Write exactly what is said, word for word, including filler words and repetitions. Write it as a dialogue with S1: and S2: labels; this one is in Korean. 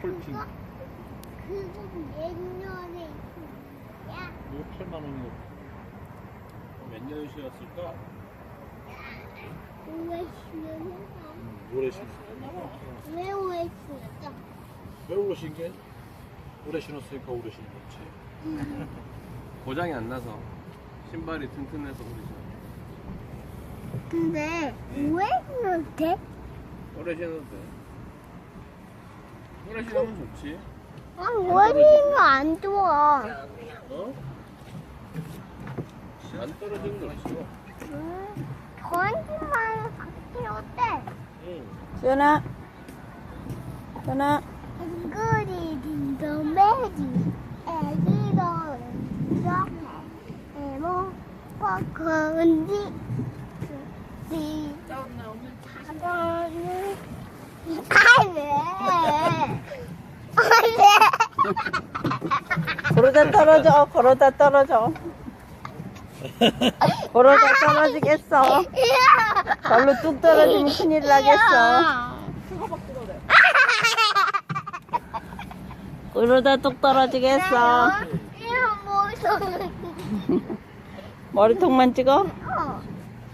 S1: 폴핑.
S2: 그거 옛날에 야
S1: 이거 팔만 원이고. 몇 년이었을까?
S2: 왜 신었어?
S1: 오래 신었어.
S2: 왜 오래 신었어?
S1: 왜 오래 신게? 오래 신었으니까 오래 신는 거지.
S3: 고장이 안 나서 신발이 튼튼해서 그러죠.
S2: 근데 왜 그렇게?
S3: 오래 신어도 돼. 오래 신으면 좋지.
S2: 아, 머리가 안 좋아.
S3: 어? 안 떨어지는 거 있어.
S2: 음, 전지만 바뀌 어때?
S3: 응.
S4: 수연아, 수연아,
S2: 앵글이 딩동매지 애기도 이렇게 에모 포크인지 디 작은 아왜 아왜
S4: 그러다 떨어져, 그러다 떨어져. 그러다 떨어지겠어. 발로 뚝 떨어지면 큰일 나겠어. 그러다 뚝 떨어지겠어.
S2: 이거 무서워.
S4: 머리통만 찍어?
S2: 어.